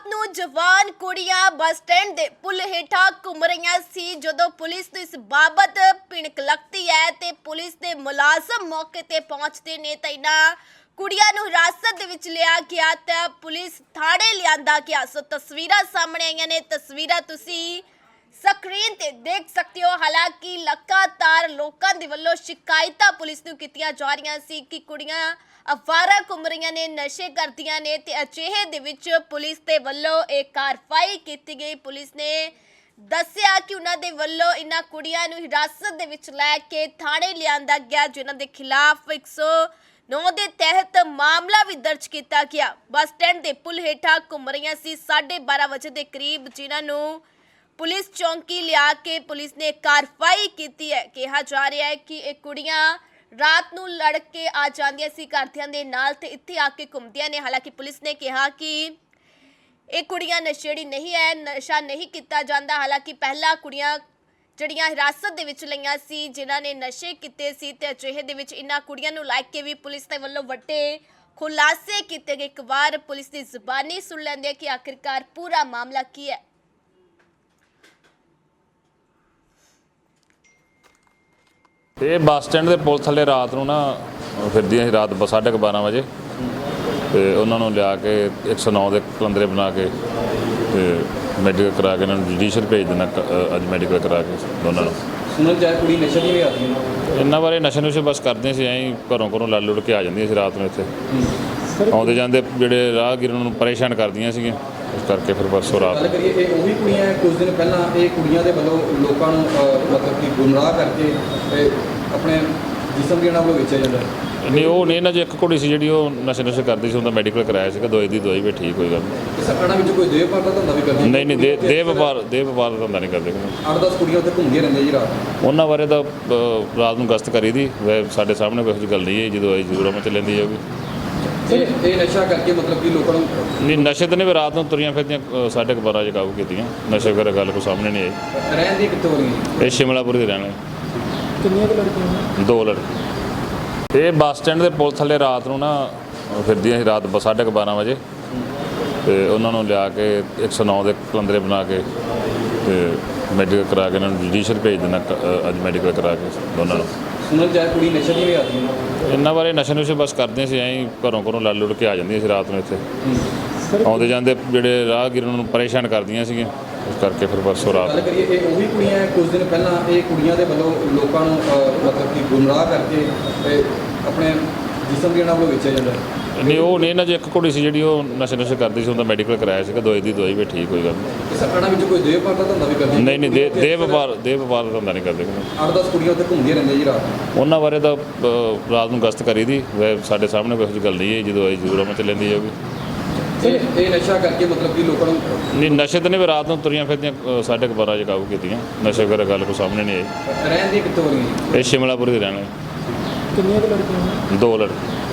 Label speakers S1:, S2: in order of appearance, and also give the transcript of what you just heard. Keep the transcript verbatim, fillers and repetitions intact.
S1: ਨੂੰ ਜਵਾਨ ਕੁੜੀਆਂ ਬੱਸ ਸਟੈਂਡ ਦੇ ਪੁਲ ਹੇਠਾਂ ਘੁੰਮ ਰਹੀਆਂ ਸੀ। ਜਦੋਂ ਪੁਲਿਸ ਨੂੰ ਇਸ ਬਾਬਤ ਭਿਣਕ ਲੱਗਦੀ ਹੈ ਤੇ ਪੁਲਿਸ ਦੇ ਮੁਲਾਜ਼ਮ ਮੌਕੇ ਤੇ ਪਹੁੰਚਦੇ ਨੇ ਤਾਂ ਇਹਨਾਂ ਕੁੜੀਆਂ ਨੂੰ ਹਿਰਾਸਤ ਦੇ ਵਿੱਚ ਲਿਆ ਗਿਆ ਤਾਂ ਪੁਲਿਸ ਥਾਣੇ ਲਿਆਂਦਾ ਗਿਆ। ਸੋ ਤਸਵੀਰਾਂ ਸਾਹਮਣੇ ਆਈਆਂ ਨੇ, ਤਸਵੀਰਾਂ ਤੁਸੀਂ ਸਕਰੀਨ ਤੇ ਦੇਖ ਸਕਦੇ ਹੋ। ਹਾਲਾਂਕਿ ਲਗਾਤਾਰ ਲੋਕਾਂ ਦੇ ਵੱਲੋਂ ਸ਼ਿਕਾਇਤਾਂ ਪੁਲਿਸ ਨੂੰ ਕੀਤੀਆਂ ਜਾ ਰਹੀਆਂ ਸੀ ਕਿ ਕੁੜੀਆਂ ਅਵਾਰਾ ਘੁੰਮ ਰਹੀਆਂ ਨੇ, ਨਸ਼ੇ ਕਰਦੀਆਂ ਨੇ ਤੇ ਅਜਿਹੇ ਦੇ ਵਿੱਚ ਪੁਲਿਸ ਦੇ ਵੱਲੋਂ ਇਹ ਕਾਰਵਾਈ ਕੀਤੀ ਗਈ। ਪੁਲਿਸ ਨੇ ਦੱਸਿਆ ਕਿ ਉਹਨਾਂ ਦੇ ਵੱਲੋਂ ਇਹਨਾਂ ਕੁੜੀਆਂ ਨੂੰ ਹਿਰਾਸਤ ਦੇ ਵਿੱਚ ਲੈ ਕੇ ਥਾਣੇ ਲਿਆਂਦਾ ਗਿਆ, ਜਿਨ੍ਹਾਂ ਦੇ ਖਿਲਾਫ ਇੱਕ ਸੌ ਨੌ ਦੇ ਤਹਿਤ ਮਾਮਲਾ ਵੀ ਦਰਜ ਕੀਤਾ ਗਿਆ। ਬੱਸ ਸਟੈਂਡ ਦੇ ਪੁਲ ਹੇਠਾਂ ਘੁੰਮ ਰਹੀਆਂ ਸੀ ਸਾਢੇ ਬਾਰਾਂ ਵਜੇ ਦੇ ਕਰੀਬ, ਜਿਨ੍ਹਾਂ ਨੂੰ ਪੁਲਿਸ ਚੌਂਕੀ ਲਿਆ ਕੇ ਪੁਲਿਸ ਨੇ ਕਾਰਵਾਈ ਕੀਤੀ ਹੈ। ਕਿਹਾ ਜਾ ਰਿਹਾ ਹੈ ਕਿ ਇਹ ਕੁੜੀਆਂ ਰਾਤ ਨੂੰ ਲੜ ਕੇ ਆ ਜਾਂਦੀਆਂ ਸੀ ਘਰਦਿਆਂ ਦੇ ਨਾਲ ਤੇ ਇੱਥੇ ਆ ਕੇ ਘੁੰਮਦੀਆਂ ਨੇ। ਹਾਲਾਂਕਿ ਪੁਲਿਸ ਨੇ ਕਿਹਾ ਕਿ ਇਹ ਕੁੜੀਆਂ ਨਸ਼ੇੜੀ ਨਹੀਂ ਹੈ, ਨਸ਼ਾ ਨਹੀਂ ਕੀਤਾ ਜਾਂਦਾ। ਹਾਲਾਂਕਿ ਪਹਿਲਾਂ ਕੁੜੀਆਂ ਜਿਹੜੀਆਂ ਹਿਰਾਸਤ ਦੇ ਵਿੱਚ ਲਈਆਂ ਸੀ, ਜਿਨ੍ਹਾਂ ਨੇ ਨਸ਼ੇ ਕੀਤੇ ਸੀ ਤੇ ਅਜਿਹੇ ਦੇ ਵਿੱਚ ਇਹਨਾਂ ਕੁੜੀਆਂ ਨੂੰ ਲੈ ਕੇ ਵੀ ਪੁਲਿਸ ਦੇ ਵੱਲੋਂ ਵੱਡੇ ਖੁਲਾਸੇ ਕੀਤੇ ਗਏ। ਇੱਕ ਵਾਰ ਪੁਲਿਸ ਦੀ ਜ਼ੁਬਾਨੀ ਸੁਣ ਲੈਂਦੇ ਕਿ ਆਖਿਰਕਾਰ ਪੂਰਾ ਮਾਮਲਾ ਕੀ ਹੈ।
S2: ਇਹ ਬੱਸ ਸਟੈਂਡ ਦੇ ਪੁਲ ਥੱਲੇ ਰਾਤ ਨੂੰ ਨਾ ਫਿਰਦੀਆਂ ਸੀ, ਰਾਤ ਸਾਢੇ ਕੁ ਬਾਰਾਂ ਵਜੇ, ਤੇ ਉਹਨਾਂ ਨੂੰ ਲਿਆ ਕੇ ਇੱਕ ਸੌ ਨੌ ਦੇ ਕਲੰਦਰੇ ਬਣਾ ਕੇ ਤੇ ਮੈਡੀਕਲ ਕਰਾ ਕੇ ਇਹਨਾਂ ਨੂੰ ਜੁਡੀਸ਼ੀਅਲ ਭੇਜ ਦੇਣਾ। ਅੱਜ ਮੈਡੀਕਲ ਕਰਾ ਕੇ ਦੋਨਾਂ ਨੂੰ
S3: ਸੁਣਨ ਚਾਹੇ ਕੁੜੀ ਨਸ਼ੇ ਦੀ ਵੀ ਆਦੀ ਹੈ।
S2: ਇਹਨਾਂ ਬਾਰੇ ਨਸ਼ੇ ਨੁਸ਼ੇ ਬਸ ਕਰਦੇ ਸੀ, ਐਂ ਘਰੋਂ ਘਰੋਂ ਲੜ ਲੁੜ ਕੇ ਆ ਜਾਂਦੀਆਂ ਸੀ ਰਾਤ ਨੂੰ। ਇੱਥੇ ਆਉਂਦੇ ਜਾਂਦੇ ਜਿਹੜੇ ਰਾਹਗੀਰ ਉਹਨਾਂ ਨੂੰ ਪਰੇਸ਼ਾਨ ਕਰਦੀਆਂ ਸੀਗੀਆਂ, ਇਸ ਕਰਕੇ ਫਿਰ ਪਰਸੋਂ ਰਾਤ
S3: ਗੱਲ ਕਰੀਏ ਇਹ ਉਹੀ ਕੁੜੀਆਂ ਕੁਝ ਦਿਨ ਪਹਿਲਾਂ ਇਹ ਕੁੜੀਆਂ ਦੇ ਵੱਲੋਂ ਲੋਕਾਂ ਨੂੰ ਮਤਲਬ ਕਿ ਗੁੰਮਰਾਹ ਕਰਕੇ ਤੇ ਆਪਣੇ ਜਿਸਮ ਦੀ ਇਹਨਾਂ ਵੱਲੋਂ ਵੇਚਿਆ ਜਾਂਦਾ।
S2: ਨਹੀਂ, ਉਹ ਨਹੀਂ, ਇਹਨਾਂ 'ਚ ਇੱਕ ਕੁੜੀ ਸੀ ਜਿਹੜੀ ਉਹ ਨਸ਼ੇ ਨੁਸ਼ੇ ਕਰਦੀ ਸੀ, ਉਹਦਾ ਮੈਡੀਕਲ ਕਰਾਇਆ ਸੀਗਾ, ਦਵਾਈ ਦੀ ਦਵਾਈ ਵੀ ਠੀਕ ਕੋਈ ਗੱਲ ਨਹੀਂ।
S3: ਸਰਕਾਰਾਂ ਵਿੱਚ ਕੋਈ ਦੇਹ ਪਾਰ ਦਾ ਧੰਦਾ ਵੀ ਕਰਦੀ?
S2: ਨਹੀਂ ਨਹੀਂ, ਦੇ ਦੇ ਵਪਾਰ ਦੇ ਵਪਾਰ ਦਾ ਧੰਦਾ ਨਹੀਂ ਕਰਦੇ।
S3: ਅੱਠ ਦਸ ਕੁੜੀਆਂ ਉੱਥੇ ਘੁੰਮਦੀਆਂ ਰਹਿੰਦੀਆਂ ਜੀ ਰਾਤ।
S2: ਉਹਨਾਂ ਬਾਰੇ ਤਾਂ ਰਾਤ ਨੂੰ ਗਸ਼ਤ ਕਰੀ ਦੀ, ਸਾਡੇ ਸਾਹਮਣੇ ਕੋਈ ਇਹੋ ਜਿਹੀ ਗੱਲ ਨਹੀਂ ਹੈ। ਜਦੋਂ ਆਈ ਜ਼ਰੂਰ ਮੈਂ ਚੱਲਦੀ ਜਾਊਗੀ।
S3: ਇਹ ਨਸ਼ਾ ਕਰਕੇ ਮਤਲਬ ਕਿ ਲੋਕਾਂ ਨੂੰ
S2: ਨਹੀਂ, ਨਸ਼ੇ ਤਾਂ ਨਹੀਂ, ਰਾਤ ਨੂੰ ਤੁਰੀਆਂ ਫਿਰਦੀਆਂ ਸਾਢੇ ਕੁ ਬਾਰਾਂ ਵਜੇ ਕਾਬੂ ਕੀਤੀਆਂ। ਨਸ਼ੇ ਵਗੈਰਾ ਗੱਲ ਕੋਈ ਸਾਹਮਣੇ ਨਹੀਂ ਆਈ।
S3: ਰਹਿਣ ਦੀ ਕਿੱਥੋਂ ਹੋ ਰਹੀ?
S2: ਇਹ ਸ਼ਿਮਲਾਪੁਰ ਦੇ ਰਹਿਣੇ।
S3: ਕਿੰਨੀਆਂ ਕੁ ਲੜਕੀਆਂ?
S2: ਦੋ ਲੜਕੇ। ਇਹ ਬੱਸ ਸਟੈਂਡ ਦੇ ਪੁਲ ਥੱਲੇ ਰਾਤ ਨੂੰ ਨਾ ਫਿਰਦੀਆਂ ਸੀ, ਰਾਤ ਸਾਢੇ ਕੁ ਬਾਰਾਂ ਵਜੇ, ਤੇ ਉਹਨਾਂ ਨੂੰ ਲਿਆ ਕੇ ਇੱਕ ਸੌ ਨੌ ਦੇ ਕਲੰਦਰੇ ਬਣਾ ਕੇ ਤੇ ਮੈਡੀਕਲ ਕਰਾ ਕੇ ਇਹਨਾਂ ਨੂੰ ਜੁਡੀਸ਼ੀਅਲ ਭੇਜ ਦੇਣਾ। ਅੱਜ ਮੈਡੀਕਲ ਕਰਾ ਕੇ ਦੋਨਾਂ ਨੂੰ
S3: ਸੁਣਨ ਚਾਹੇ ਕੁੜੀ ਨਸ਼ੇ ਦੀ ਵੀ ਆਦੀ ਹੈ।
S2: ਇਹਨਾਂ ਬਾਰੇ ਨਸ਼ੇ ਨੁਸ਼ੇ ਬਸ ਕਰਦੇ ਸੀ, ਐਂ ਘਰੋਂ ਘਰੋਂ ਲੜ ਲੁੜ ਕੇ ਆ ਜਾਂਦੀਆਂ ਸੀ ਰਾਤ ਨੂੰ। ਇੱਥੇ ਆਉਂਦੇ ਜਾਂਦੇ ਜਿਹੜੇ ਰਾਹਗੀਰ ਉਹਨਾਂ ਨੂੰ ਪਰੇਸ਼ਾਨ ਕਰਦੀਆਂ ਸੀਗੀਆਂ, ਇਸ ਕਰਕੇ ਫਿਰ ਪਰਸੋਂ ਰਾਤ
S3: ਗੱਲ ਕਰੀਏ ਇਹ ਉਹੀ ਕੁੜੀਆਂ ਕੁਝ ਦਿਨ ਪਹਿਲਾਂ ਇਹ ਕੁੜੀਆਂ ਦੇ ਵੱਲੋਂ ਲੋਕਾਂ ਨੂੰ ਮਤਲਬ ਕਿ ਗੁੰਮਰਾਹ ਕਰਕੇ ਤੇ ਆਪਣੇ ਜਿਸਮ ਦੀ ਇਹਨਾਂ ਵੱਲੋਂ ਵੇਚਿਆ ਜਾਂਦਾ।
S2: ਨਹੀਂ, ਉਹ ਨਹੀਂ, ਇਹਨਾਂ 'ਚ ਇੱਕ ਕੁੜੀ ਸੀ ਜਿਹੜੀ ਉਹ ਨਸ਼ੇ ਨੁਸ਼ੇ ਕਰਦੀ ਸੀ, ਉਹਦਾ ਮੈਡੀਕਲ ਕਰਾਇਆ ਸੀਗਾ, ਦਵਾਈ ਦੀ ਦਵਾਈ ਵੀ ਠੀਕ ਕੋਈ ਗੱਲ ਨਹੀਂ।
S3: ਸਰਕਾਰਾਂ ਵਿੱਚ ਕੋਈ ਦੇਹ ਪਾਰ ਦਾ ਧੰਦਾ ਵੀ ਕਰਦੀ?
S2: ਨਹੀਂ ਨਹੀਂ, ਦੇ ਦੇ ਵਪਾਰ ਦੇ ਵਪਾਰ ਦਾ ਧੰਦਾ ਨਹੀਂ ਕਰਦੇ।
S3: ਅੱਠ ਦਸ ਕੁੜੀਆਂ ਉੱਥੇ ਘੁੰਮਦੀਆਂ ਰਹਿੰਦੀਆਂ ਜੀ ਰਾਤ।
S2: ਉਹਨਾਂ ਬਾਰੇ ਤਾਂ ਰਾਤ ਨੂੰ ਗਸ਼ਤ ਕਰੀ ਦੀ, ਸਾਡੇ ਸਾਹਮਣੇ ਕੋਈ ਇਹੋ ਜਿਹੀ ਗੱਲ ਨਹੀਂ ਹੈ। ਜਦੋਂ ਆਈ ਜ਼ਰੂਰ ਮੈਂ ਚੱਲਦੀ ਜਾਊਗੀ।
S3: ਇਹ ਨਸ਼ਾ ਕਰਕੇ ਮਤਲਬ ਕਿ ਲੋਕਾਂ ਨੂੰ
S2: ਨਹੀਂ, ਨਸ਼ੇ ਤਾਂ ਨਹੀਂ, ਰਾਤ ਨੂੰ ਤੁਰੀਆਂ ਫਿਰਦੀਆਂ ਸਾਢੇ ਕੁ ਬਾਰਾਂ ਵਜੇ ਕਾਬੂ ਕੀਤੀਆਂ। ਨਸ਼ੇ ਵਗੈਰਾ ਗੱਲ ਕੋਈ ਸਾਹਮਣੇ ਨਹੀਂ ਆਈ।
S3: ਰਹਿਣ ਦੀ ਕਿੱਥੋਂ ਹੋ ਰਹੀ?
S2: ਇਹ ਸ਼ਿਮਲਾਪੁਰ ਦੇ ਰਹਿਣੇ।
S3: ਕਿੰਨੀਆਂ ਕੁ ਲੜਕੀਆਂ?
S2: ਦੋ ਲੜਕੇ।